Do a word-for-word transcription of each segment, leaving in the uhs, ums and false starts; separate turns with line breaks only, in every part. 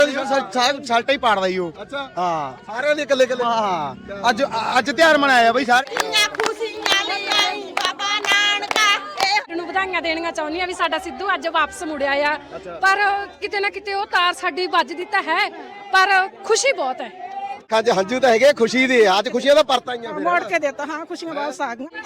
ਸ਼ਰਟਾਂ ਹੀ ਪਾੜਦਾ ਜੀ ਉਹ।
ਅੱਛਾ
ਹਾਂ
ਸਾਰਿਆਂ ਦੇ ਇਕੱਲੇ ਇਕੱਲੇ।
ਹਾਂ ਅੱਜ ਅੱਜ ਤਿਉਹਾਰ ਮਨਾਇਆ ਬਈ ਸਾਰੇ।
ਨੂੰ ਵਧਾਈਆਂ ਦੇਣੀਆਂ ਚਾਹੁੰਦੀ ਆ ਵੀ ਸਾਡਾ ਸਿੱਧੂ ਅੱਜ ਵਾਪਸ ਮੁੜਿਆ ਆ, ਪਰ ਕਿਤੇ ਨਾ ਕਿਤੇ ਉਹ ਤਾਰ ਸਾਡੀ ਵੱਜਦੀ ਤਾਂ ਹੈ, ਪਰ ਖੁਸ਼ੀ ਬਹੁਤ ਹੈ।
ਅੱਜ ਹੰਝੂ ਤਾਂ ਹੈਗੇ ਖੁਸ਼ੀ ਦੇ, ਅੱਜ ਖੁਸ਼ੀਆਂ ਦਾ ਪਰਤ ਆਈਆਂ ਫਿਰ
ਮੋੜ ਕੇ ਦਿੱਤਾ। ਹਾਂ ਖੁਸ਼ੀਆਂ ਵਾਪਸ ਆ ਗਈਆਂ।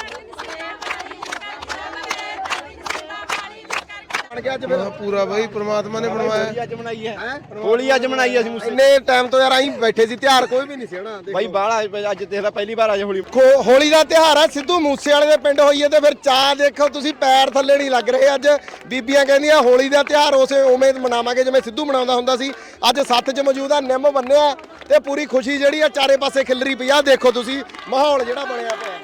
ਬਣ ਗਿਆ ਅੱਜ ਫਿਰ
ਪੂਰਾ ਬਈ ਪ੍ਰਮਾਤਮਾ ਨੇ ਬਣਵਾਇਆ।
ਅੱਜ ਮਨਾਈ ਹੈ ਹੋਲੀ, ਅੱਜ ਮਨਾਈ ਅਸੀਂ ਮੁਸਲੇ
ਇੰਨੇ ਟਾਈਮ ਤੋਂ ਯਾਰ ਆਈ ਬੈਠੇ ਸੀ, ਤਿਉਹਾਰ ਕੋਈ ਵੀ ਨਹੀਂ ਸੀ ਹਨਾ।
ਬਾਈ ਬਾਹਲਾ ਅੱਜ ਦੇਖਦਾ ਪਹਿਲੀ ਵਾਰ ਅੱਜ ਹੋਲੀ।
ਖੋ- ਹੋਲੀ ਦਾ ਤਿਉਹਾਰ ਹੈ, ਸਿੱਧੂ ਮੂਸੇ ਵਾਲੇ ਦੇ ਪਿੰਡ ਹੋਈ ਹੈ ਤੇ ਫਿਰ ਚਾਹ ਦੇਖੋ ਤੁਸੀਂ, ਪੈਰ ਥੱਲੇ ਨਹੀਂ ਲੱਗ ਰਹੇ। ਅੱਜ ਬੀਬੀਆਂ ਕਹਿੰਦੀਆਂ ਹੋਲੀ ਦਾ ਤਿਉਹਾਰ ਉਸੇ ਉਵੇਂ ਮਨਾਵਾਂਗੇ ਜਿਵੇਂ ਸਿੱਧੂ ਮਨਾਉਂਦਾ ਹੁੰਦਾ ਸੀ। ਅੱਜ ਸੱਥ 'ਚ ਮੌਜੂਦ ਆ, ਨਿੰਮ ਬੰਨਿਆ ਤੇ ਪੂਰੀ ਖੁਸ਼ੀ ਜਿਹੜੀ ਆ ਚਾਰੇ ਪਾਸੇ ਖਿਲਰੀ ਪਈ ਆ। ਦੇਖੋ ਤੁਸੀਂ ਮਾਹੌਲ ਜਿਹੜਾ ਬਣਿਆ ਪਿਆ।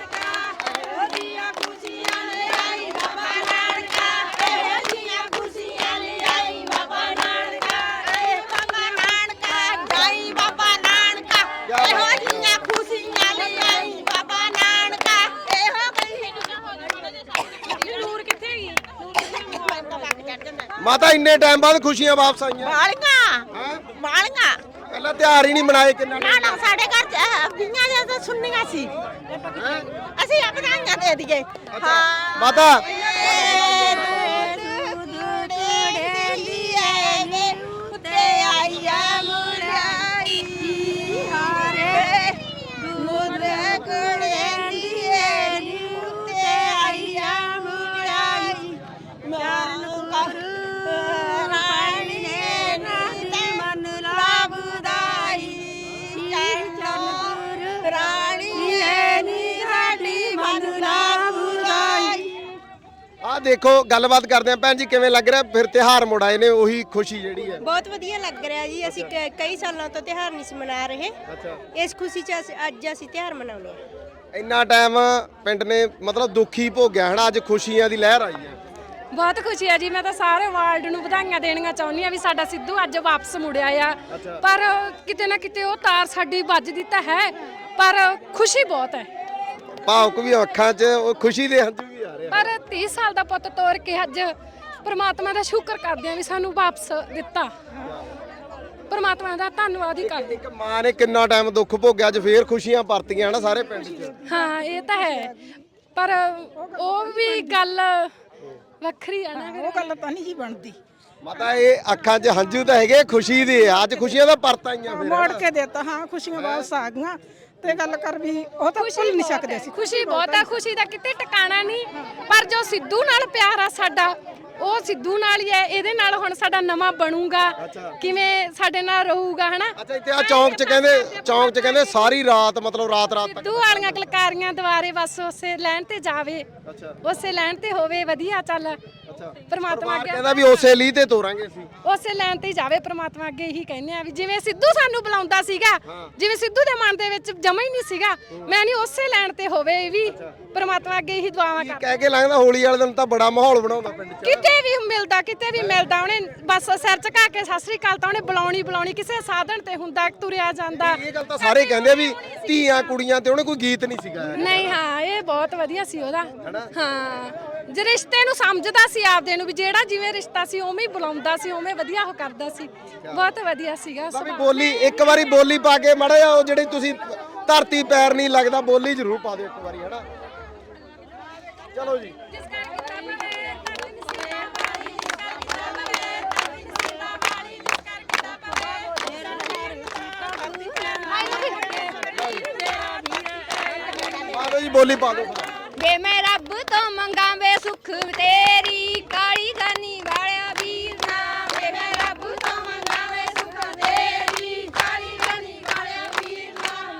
ਮਾਤਾ ਇੰਨੇ ਟਾਈਮ ਬਾਅਦ ਖੁਸ਼ੀਆਂ ਵਾਪਸ ਆਈਆਂ।
ਬਾਲੀਆਂ ਬਾਲੀਆਂ
ਪਹਿਲਾਂ ਤਿਉਹਾਰ ਹੀ ਨਹੀਂ ਮਨਾਏ ਕਿੰਨਾ
ਨਾ ਨਾ ਸਾਡੇ ਘਰ ਚ ਬੀਆਂ ਦੇ ਤਾਂ ਸੁਣਨੀਆਂ ਸੀ, ਅਸੀਂ ਆਪਣਾਈਆਂ ਦੇ ਦਈਏ। ਹਾਂ
ਮਾਤਾ ਆ ਦੇਖੋ ਗੱਲਬਾਤ ਕਰਦੇ ਆ। ਭੈਣ ਜੀ ਕਿਵੇਂ ਲੱਗ ਰਿਹਾ ਫਿਰ ਤਿਉਹਾਰ ਮੁੜ ਆਏ ਨੇ, ਉਹੀ ਖੁਸ਼ੀ ਜਿਹੜੀ ਹੈ?
ਬਹੁਤ ਵਧੀਆ ਲੱਗ ਰਿਹਾ ਜੀ। ਅਸੀਂ ਕ- ਕਈ ਸਾਲਾਂ ਤੋਂ ਤਿਉਹਾਰ ਨਹੀਂ ਸੀ ਮਨਾ ਰਹੇ, ਇਸ ਖੁਸ਼ੀ 'ਚ ਅਸੀਂ ਅੱਜ ਅਸੀਂ ਤਿਉਹਾਰ ਮਨਾਉਂਦੇ ਹਾਂ।
ਇੰਨਾ ਟਾਈਮ ਪਿੰਡ ਨੇ ਮਤਲਬ ਦੁੱਖੀ ਭੋਗਿਆ ਹਨਾ, ਅੱਜ ਖੁਸ਼ੀਆਂ ਦੀ ਲਹਿਰ ਆਈ ਹੈ।
ਬਹੁਤ ਖੁਸ਼ੀ ਆ ਜੀ। ਮੈਂ ਤਾਂ ਸਾਰੇ ਵਰਲਡ ਨੂੰ ਵਧਾਈਆਂ ਦੇਣੀਆਂ ਚਾਹੁੰਦੀ ਆ ਵੀ ਸਾਡਾ ਸਿੱਧੂ ਅੱਜ ਵਾਪਸ ਮੁੜਿਆ ਆ, ਪਰ ਕਿਤੇ ਨਾ ਕਿਤੇ ਉਹ ਤਾਰ ਸਾਡੀ ਵੱਜਦੀ ਤਾਂ ਹੈ, ਪਰ ਖੁਸ਼ੀ ਬਹੁਤ ਹੈ।
ਭਾਵੁਕ ਵੀ ਅੱਖਾਂ 'ਚ ਉਹ ਖੁਸ਼ੀ ਦੇ ਹੰਝੂ ਵੀ ਆ ਰਹੇ ਆ।
ਪਰ ਤੀਹ ਸਾਲ ਦਾ ਪੁੱਤ ਤੋਰ ਕੇ ਅੱਜ ਪ੍ਰਮਾਤਮਾ ਦਾ ਸ਼ੁਕਰ ਕਰਦੇ ਆ ਵੀ ਸਾਨੂੰ ਵਾਪਸ ਦਿੱਤਾ। ਪ੍ਰਮਾਤਮਾ ਦਾ ਧੰਨਵਾਦ ਹੀ ਕਰਦੇ।
ਇੱਕ ਮਾਂ ਨੇ ਕਿੰਨਾ ਟਾਈਮ ਦੁੱਖ ਭੋਗਿਆ, ਅੱਜ ਫੇਰ ਖੁਸ਼ੀਆਂ ਪਰਤੀਆਂ ਹਨਾ ਸਾਰੇ ਪਿੰਡ 'ਚ।
ਹਾਂ ਇਹ ਤਾਂ ਹੈ, ਪਰ ਉਹ ਵੀ ਗੱਲ ਵੱਖਰੀ ਆ ਨਾ।
ਉਹ ਗੱਲ ਤਾਂ ਨਹੀਂ ਜੀ ਬਣਦੀ।
ਮਾਤਾ ਇਹ ਅੱਖਾਂ 'ਚ ਹੰਝੂ ਤਾਂ ਹੈਗੇ ਖੁਸ਼ੀ ਦੇ, ਅੱਜ ਖੁਸ਼ੀਆਂ ਦਾ ਪਰਤ ਆਈਆਂ ਫਿਰ
ਮੋੜ ਕੇ ਦਿੱਤਾ। ਹਾਂ ਖੁਸ਼ੀਆਂ ਵਾਪਸ ਆ ਗਈਆਂ ਤੇ ਗੱਲ ਕਰ ਵੀ ਉਹ ਤਾਂ ਭੁੱਲ ਨਹੀਂ ਸਕਦੇ ਸੀ।
ਖੁਸ਼ੀ ਬਹੁਤ ਆ, ਖੁਸ਼ੀ ਦਾ ਕਿਤੇ ਟਿਕਾਣਾ ਨਹੀਂ, ਪਰ ਜੋ ਸਿੱਧੂ ਨਾਲ ਪਿਆਰ ਆ ਸਾਡਾ ਉਹ ਸਿੱਧੂ ਨਾਲ ਹੀ ਹੈ। ਇਹਦੇ ਨਾਲ ਹੁਣ ਸਾਡਾ ਨਵਾਂ ਬਣੂਗਾ, ਕਿਵੇਂ ਸਾਡੇ ਨਾਲ ਰਹੂਗਾ ਹਨਾ।
ਅੱਛਾ ਇੱਥੇ ਆ ਚੌਂਕ 'ਚ ਕਹਿੰਦੇ, ਚੌਂਕ 'ਚ ਕਹਿੰਦੇ ਸਾਰੀ ਰਾਤ ਮਤਲਬ ਰਾਤ ਰਾਤ ਤੱਕ
ਸਿੱਧੂ ਵਾਲੀਆਂ ਕਲਕਾਰੀਆਂ ਦੁਆਰੇ ਬਸ ਉਸੇ ਲਾਈਨ ਤੇ ਜਾਵੇ, ਉਸੇ ਲਾਈਨ ਤੇ ਹੋਵੇ ਵਧੀਆ। ਚੱਲ ਪਰਮਾਤਮਾ ਅੱਗੇ
ਕਹਿੰਦਾ ਵੀ ਉਸੇ ਲੀਹ ਤੇ ਤੋਰਾਂਗੇ ਅਸੀਂ,
ਉਸੇ ਲਾਈਨ ਤੇ ਹੀ ਜਾਵੇ। ਪਰਮਾਤਮਾ ਅੱਗੇ ਇਹੀ ਕਹਿੰਦੇ ਆ ਵੀ ਜਿਵੇਂ ਸਿੱਧੂ ਸਾਨੂੰ ਬੁਲਾਉਂਦਾ ਸੀਗਾ, ਜਿਵੇਂ ਸਿੱਧੂ ਦੇ ਮਨ ਦੇ ਵਿੱਚ ਜਮਾ ਹੀ ਨਹੀਂ ਸੀਗਾ, ਮੈਂ ਨਹੀਂ ਉਸੇ ਲਾਈਨ ਤੇ ਹੋਵੇ ਇਹ ਵੀ। ਪਰਮਾਤਮਾ ਅੱਗੇ ਇਹੀ ਦੁਆਵਾਂ ਕਰ।
ਕਹਿ ਕੇ ਲੱਗਦਾ ਹੋਲੀ ਵਾਲੇ ਦਿਨ ਤਾਂ ਬੜਾ ਮਾਹੌਲ ਬਣਾਉਂਦਾ ਪਿੰਡ 'ਚ।
ਕਿਤੇ ਵੀ ਮਿਲਦਾ, ਕਿਤੇ ਵੀ ਮਿਲਦਾ, ਉਹਨੇ ਬਸ ਸਿਰ ਝੁਕਾ ਕੇ ਸਤਿ ਸ੍ਰੀ ਅਕਾਲ ਤਾਂ ਉਹਨੇ ਬੁਲਾਉਣੀ ਬੁਲਾਉਣੀ। ਕਿਸੇ ਸਾਧਨ ਤੇ ਹੁੰਦਾ ਤੁਰਿਆ ਜਾਂਦਾ।
ਇਹ ਗੱਲ ਤਾਂ ਸਾਰੇ ਕਹਿੰਦੇ ਆ ਵੀ ਧੀਆਂ ਕੁੜੀਆਂ ਤੇ ਉਹਨੇ ਕੋਈ ਗੀਤ ਨਹੀਂ ਸੀਗਾ।
ਨਹੀਂ ਹਾਂ ਇਹ ਬਹੁਤ ਵਧੀਆ ਸੀ ਉਹਦਾ। ਹਾਂ ਜੇ ਰਿਸ਼ਤੇ ਨੂੰ ਸਮਝਦਾ ਸੀ ਆਪਦੇ ਨੂੰ, ਵੀ ਜਿਹੜਾ ਜਿਵੇਂ ਰਿਸ਼ਤਾ ਸੀ ਉਵੇਂ ਹੀ ਬੁਲਾਉਂਦਾ ਸੀ, ਉਵੇਂ ਵਧੀਆ ਉਹ ਕਰਦਾ ਸੀ। ਬਹੁਤ ਵਧੀਆ ਸੀਗਾ।
ਬਾਬੀ ਬੋਲੀ ਇੱਕ ਵਾਰੀ ਬੋਲੀ ਪਾ ਕੇ ਮਾੜਾ ਜਿਹਾ ਉਹ ਜਿਹੜੀ ਤੁਸੀਂ ਧਰਤੀ ਪੈਰ ਨਹੀਂ ਲੱਗਦਾ ਬੋਲੀ ਜ਼ਰੂਰ ਪਾ ਦਿਓ ਇੱਕ ਵਾਰੀ ਹਨਾ। ਚਲੋ ਜੀ ਆਲੋ ਜੀ ਬੋਲੀ ਪਾ ਦਿਓ।
ਵੇ ਮੈਂ ਰੱਬ ਤੋਂ ਮੰਗਾ ਵੇ ਸੁੱਖ ਤੇਰੀ ਕਾਲੀ ਜਾਨੀ ਵਾਲਿਆ ਵੀਰ ਨਾ। ਵੇ ਮੈਂ ਰੱਬ ਤੋਂ ਮੰਗਾ ਵੇ ਸੁੱਖ ਤੇਰੀ ਕਾਲੀ ਜਾਨੀ ਵਾਲਿਆ ਵੀਰ ਨਾ।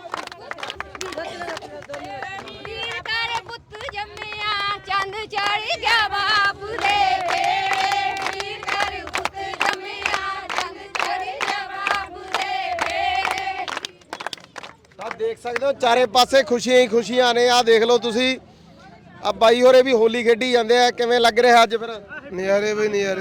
ਵੀਰ ਕਰ ਪੁੱਤ ਜੰਮਿਆ ਚੰਦ ਚੜ ਗਿਆ ਬਾਪ ਦੇ ਵੇੜੇ। ਵੀਰ ਕਰ ਪੁੱਤ ਜੰਮਿਆ ਚੰਦ ਚੜ ਗਿਆ ਬਾਪ ਦੇ ਵੇੜੇ।
ਤਾਂ ਦੇਖ ਸਕਦੇ ਹੋ ਚਾਰੇ ਪਾਸੇ ਖੁਸ਼ੀਆਂ ਹੀ ਖੁਸ਼ੀਆਂ ਨੇ। ਆਹ ਦੇਖ ਲਓ ਤੁਸੀਂ, ਆ ਬਾਈ ਹੋਰੇ ਵੀ ਹੋਲੀ ਖੇਡੀ ਜਾਂਦੇ ਆ। ਕਿਵੇਂ ਲੱਗ ਰਿਹਾ ਅੱਜ ਫਿਰ?
ਨਜ਼ਾਰੇ ਬਈ ਨਜ਼ਾਰੇ।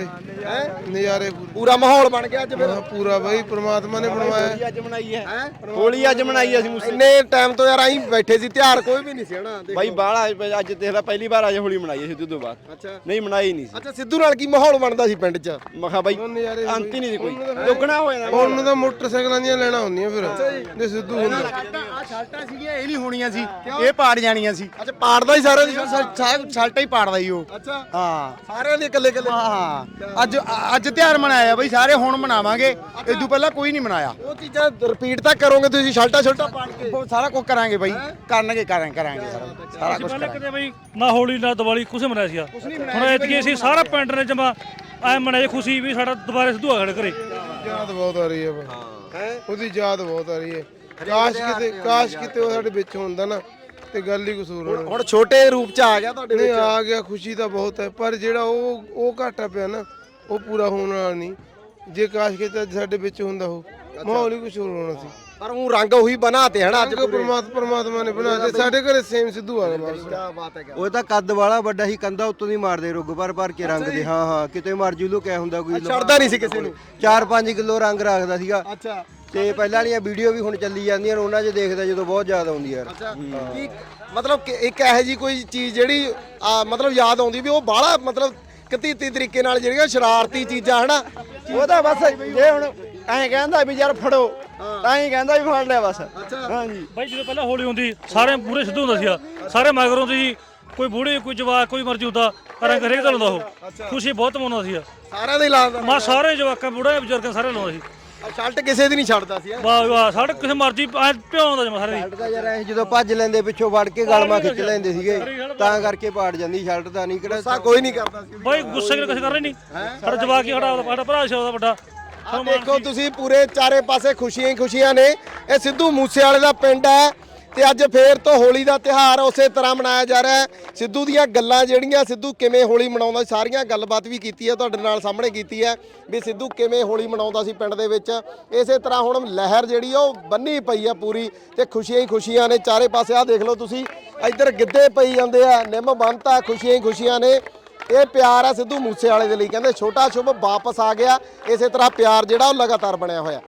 ਨਜ਼ਾਰੇ ਪੂਰੇ
ਪੂਰਾ ਮਾਹੌਲ ਬਣ ਗਿਆ ਅੱਜ ਫਿਰ
ਹਾਂ, ਪੂਰਾ ਬਾਈ ਪ੍ਰਮਾਤਮਾ ਨੇ ਬਣਵਾਇਆ
ਹੋਲੀ ਅੱਜ ਮਨਾਈ ਹੈ ਹੋਲੀ ਅੱਜ ਮਨਾਈ ਅਸੀਂ ਮੂਸੇ
ਇੰਨੇ ਟਾਈਮ ਤੋਂ ਯਾਰ ਅਸੀਂ ਬੈਠੇ ਸੀ ਤਿਉਹਾਰ ਕੋਈ ਵੀ ਨਹੀਂ ਸੀ ਹਨਾ ਦੇਖੋ।
ਬਾਈ ਬਾਹਲਾ ਅੱਜ ਦੇਖ ਲੈ ਪਹਿਲੀ ਵਾਰ ਅੱਜ ਹੋਲੀ ਮਨਾਈ ਹੈ ਸਿੱਧੂ ਤੋਂ ਬਾਅਦ
ਅੱਛਾ
ਨਹੀਂ ਮਨਾਈ ਨਹੀਂ ਸੀ
ਅੱਛਾ ਸਿੱਧੂ ਨਾਲ ਕੀ ਮਾਹੌਲ ਬਣਦਾ ਸੀ ਪਿੰਡ 'ਚ
ਮੈਂ ਕਿਹਾ ਬਾਈ
ਨਜ਼ਾਰੇ
ਅੰਤ ਹੀ ਨਹੀਂ ਸੀ ਕੋਈ ਦੁੱਗਣਾ ਹੋ ਜਾਣਾ
ਉਹਨੂੰ ਤਾਂ ਮੋਟਰਸਾਈਕਲਾਂ ਦੀਆਂ ਲੈਣਾ ਹੁੰਦੀਆਂ ਫਿਰ ਜੇ ਸਿੱਧੂ ਹੁੰਦਾ
ਸ਼ਰਟਾਂ ਸੀਗੀਆਂ ਇਹ ਨਹੀਂ ਹੋਣੀਆਂ ਸੀ ਇਹ ਪਾੜ ਜਾਣੀਆਂ ਸੀ
ਅੱਛਾ ਪਾੜਦਾ ਹੀ ਸਾਰਿਆਂ ਦੀ
ਸ਼ਰਟਾਂ ਹੀ ਪਾੜਦਾ ਹੀ ਉਹ
ਅੱਛਾ
ਹਾਂ
ਸਾਰਿਆਂ ਦੀ ਇਕੱਲੇ ਇਕੱਲੇ
ਹਾਂ ਅੱਜ ਅੱਜ ਤਿਉਹਾਰ ਮਨਾਇਆ ਬਈ ਸਾਰੇ ਹੁਣ ਮਨਾਵਾਂਗੇ ਇਦੋਂ ਪਹਿਲਾਂ ਕੋਈ ਨਹੀਂ ਮਨਾਇਆ
ਉਹ ਚੀਜ਼ਾਂ ਰਿਪੀਟ ਤਾਂ ਕਰੋਗੇ ਤੁਸੀਂ ਸ਼ਰਟਾਂ ਸ਼ਰਟਾਂ ਪਾੜ ਕੇ
ਉਹ ਸਾਰਾ ਕੁਝ ਕਰਾਂਗੇ ਬਈ ਕਰਨਗੇ ਕਰਾਂਗੇ ਕਰਾਂਗੇ ਸਾਰਾ ਸਾਰਾ ਕੁਝ
ਪਹਿਲਾਂ ਕਦੇ ਬਈ ਨਾ ਹੋਲੀ ਨਾ ਦੀਵਾਲੀ ਕੁਛ ਮਨਾਇਆ ਸੀਗਾ ਹੁਣ ਐਤਕੀ ਅਸੀਂ ਸਾਰਾ ਪਿੰਡ ਨੇ ਜਮਾ ਐ ਮਨਾਏ ਖੁਸ਼ੀ ਵੀ ਸਾਡਾ ਦੁਬਾਰੇ ਸਿੱਧੂ ਆ ਸਾਡੇ ਘਰੇ
ਯਾਦ ਬਹੁਤ ਆ ਰਹੀ ਹੈ ਬਾਈ ਉਹਦੀ ਯਾਦ ਬਹੁਤ ਆ ਰਹੀ ਹੈ ਕਾਸ਼ ਕਿਤੇ ਕਾਸ਼ ਕਿਤੇ ਉਹ ਸਾਡੇ ਵਿੱਚ ਹੁੰਦਾ ਨਾ ਤੇ ਗੱਲ ਹੀ ਕਸੂਰ ਹੋਣਾ
ਹੁਣ ਛੋਟੇ ਰੂਪ 'ਚ ਆ ਗਿਆ ਤੁਹਾਡੇ
ਨਹੀਂ
ਵਿੱਚ
ਆ ਗਿਆ ਖੁਸ਼ੀ ਤਾਂ ਬਹੁਤ ਹੈ ਪਰ ਜਿਹੜਾ ਉਹ ਉਹ ਘਾਟਾ ਪਿਆ ਨਾ ਉਹ ਪੂਰਾ ਹੋਣ ਵਾਲਾ ਨਹੀਂ ਜੇ ਕਾਸ਼ ਕਿਤੇ ਅੱਜ ਸਾਡੇ ਵਿੱਚ ਹੁੰਦਾ ਉਹ ਮਾਹੌਲ ਹੀ ਕੁਛ ਹੋਰ ਹੋਣਾ ਸੀ
ਪਰ ਉਹ ਰੰਗ ਉਹੀ ਬਣਾਤੇ ਹਨਾ ਅੱਜ
ਅੱਜ ਪਰਮਾਤਮਾ ਪਰਮਾਤਮਾ ਨੇ ਬਣਾ ਦਿੱਤੇ ਸਾਡੇ ਘਰੇ ਸੇਮ ਸਿੱਧੂ ਆ ਗਿਆ ਮਾਰਸ
ਕੀ ਬਾਤ ਹੈ
ਉਹ ਤਾਂ ਕੱਦ ਵਾਲਾ ਵੱਡਾ ਹੀ ਕੰਦਾ ਉੱਤੋਂ ਦੀ ਮਾਰਦੇ ਰੁੱਗ ਭਰ ਭਰ ਕੇ ਰੰਗ ਦੇ ਹਾਂ ਹਾਂ ਕਿਤੇ ਮਰਜੂ ਲੁਕਿਆ ਹੁੰਦਾ ਕੋਈ
ਛੱਡਦਾ ਨਹੀਂ ਸੀ ਕਿਸੇ ਨੂੰ
ਚਾਰ ਪੰਜ ਕਿਲੋ ਰੰਗ ਰੱਖਦਾ ਸੀਗਾ
ਅੱਛਾ
ਤੇ ਪਹਿਲਾਂ ਵਾਲੀਆਂ ਵੀਡੀਓ ਵੀ ਹੁਣ ਚੱਲੀ ਜਾਂਦੀਆਂ ਨੇ ਉਹਨਾਂ 'ਚ ਦੇਖਦਾ ਜਦੋਂ ਬਹੁਤ ਯਾਦ ਆਉਂਦੀ ਯਾਰ
ਅੱਛਾ ਕੀ ਮਤਲਬ ਕਿ ਇੱਕ ਇਹੋ ਜੀ ਕੋਈ ਚੀਜ਼ ਜਿਹੜੀ ਆ, ਮਤਲਬ ਯਾਦ ਆਉਂਦੀ ਵੀ ਉਹ ਬਾਹਲਾ ਮਤਲਬ ਕਤੀਤੀ ਤਰੀਕੇ ਨਾਲ ਜਿਹੜੀਆਂ ਸ਼ਰਾਰਤੀ ਚੀਜ਼ਾਂ ਹਨਾ
ਉਹ ਤਾਂ ਬਸ ਜੇ ਹੁਣ ਐਂ ਕਹਿੰਦਾ ਵੀ ਯਾਰ ਫੜੋ ਤਾਂ ਹੀ ਕਹਿੰਦਾ ਵੀ ਫੜ ਲਿਆ ਬਸ ਹਾਂਜੀ
ਬਾਈ ਜਦੋਂ ਪਹਿਲਾਂ ਹੋਲੀ ਹੁੰਦੀ ਸਾਰੇ ਪੂਰੇ ਸਿੱਧੂ ਹੁੰਦਾ ਸੀਗਾ ਸਾਰੇ ਮਗਰ ਹੁੰਦੇ ਸੀ ਕੋਈ ਬੂੜੇ ਕੋਈ ਜਵਾਕ ਕੋਈ ਮਰਜੀ ਹੁੰਦਾ ਰੰਗ ਹਰੇਕ ਦਾ ਲਾਉਂਦਾ ਉਹ ਖੁਸ਼ੀ ਬਹੁਤ ਮਨਾਉਂਦਾ ਸੀਗਾ
ਸਾਰਿਆਂ ਦੇ ਲਾਉਂਦਾ
ਮਾ ਸਾਰੇ ਜਵਾਕਾਂ ਬੁੜੇ ਬਜ਼ੁਰਗਾਂ ਸਾਰੇ ਲਾਉਂਦਾ ਸੀ
ਸ਼ਰਟ ਕਿਸੇ ਦੀ ਨਹੀਂ ਛੱਡਦਾ ਸੀ
ਵਾਹ ਵਾਹ ਸਾਡੇ ਕਿਸੇ ਮਰਜੀ ਭਿਆਉਂਦਾ ਜਮਾ ਸਾਰੇ ਦੀ
ਸ਼ਰਟ ਤਾਂ ਯਾਰ ਐਂ ਜਦੋਂ ਭੱਜ ਲੈਂਦੇ ਪਿੱਛੋਂ ਵੜ ਕੇ ਗਲਮਾ ਖਿੱਚ ਲੈਂਦੇ ਸੀਗੇ ਤਾਂ ਕਰਕੇ ਪਾੜ ਜਾਂਦੀ ਸ਼ਰਟ ਤਾਂ ਨਹੀਂ ਕਿਹੜਾ
ਗੁੱਸਾ ਕੋਈ ਨਹੀਂ ਕਰਦਾ ਸੀ
ਬਾਈ ਗੁੱਸੇ ਕਿਤੇ ਕਿਸੇ ਕਰ ਰਹੇ ਨਹੀਂ ਸਾਡਾ ਜਵਾਕ ਹੀ ਸਾਡਾ ਸਾਡਾ ਭਰਾ ਸੀ ਉਹਦਾ ਵੱਡਾ
ਆ ਦੇਖੋ ਤੁਸੀਂ ਪੂਰੇ ਚਾਰੇ ਪਾਸੇ ਖੁਸ਼ੀਆਂ ਹੀ ਖੁਸ਼ੀਆਂ ਨੇ ਇਹ ਸਿੱਧੂ ਮੂਸੇਵਾਲੇ ਦਾ ਪਿੰਡ ਹੈ ਤੇ ਅੱਜ ਫੇਰ ਤੋਂ ਹੋਲੀ ਦਾ ਤਿਉਹਾਰ ਉਸੇ ਤਰ੍ਹਾਂ ਮਨਾਇਆ ਜਾ ਰਿਹਾ ਹੈ ਸਿੱਧੂ ਦੀਆਂ ਗੱਲਾਂ ਜਿਹੜੀਆਂ ਸਿੱਧੂ ਕਿਵੇਂ ਹੋਲੀ ਮਨਾਉਂਦਾ ਸਾਰੀਆਂ ਗੱਲਬਾਤ ਵੀ ਕੀਤੀ ਹੈ ਤੁਹਾਡੇ ਨਾਲ ਸਾਹਮਣੇ ਕੀਤੀ ਹੈ ਵੀ ਸਿੱਧੂ ਕਿਵੇਂ ਹੋਲੀ ਮਨਾਉਂਦਾ ਸੀ ਪਿੰਡ ਦੇ ਵਿੱਚ ਇਸੇ ਤਰ੍ਹਾਂ ਹੁਣ ਲਹਿਰ ਜਿਹੜੀ ਉਹ ਬੰਨੀ ਪਈ ਆ ਪੂਰੀ ਤੇ ਖੁਸ਼ੀਆਂ ਹੀ ਖੁਸ਼ੀਆਂ ਨੇ ਚਾਰੇ ਪਾਸੇ ਆ ਦੇਖ ਲਓ ਤੁਸੀਂ ਇੱਧਰ ਗਿੱਧੇ ਪਈ ਜਾਂਦੇ ਆ ਨਿੰਮ ਬੰਨਤਾ ਖੁਸ਼ੀਆਂ ਹੀ ਖੁਸ਼ੀਆਂ ਨੇ ਇਹ ਪਿਆਰ ਆ ਸਿੱਧੂ ਮੂਸੇਵਾਲੇ ਦੇ ਲਈ ਕਹਿੰਦੇ ਛੋਟਾ ਸ਼ੁਭ ਵਾਪਸ ਆ ਗਿਆ ਇਸੇ ਤਰ੍ਹਾਂ ਪਿਆਰ ਜਿਹੜਾ ਉਹ ਲਗਾਤਾਰ ਬਣਿਆ ਹੋਇਆ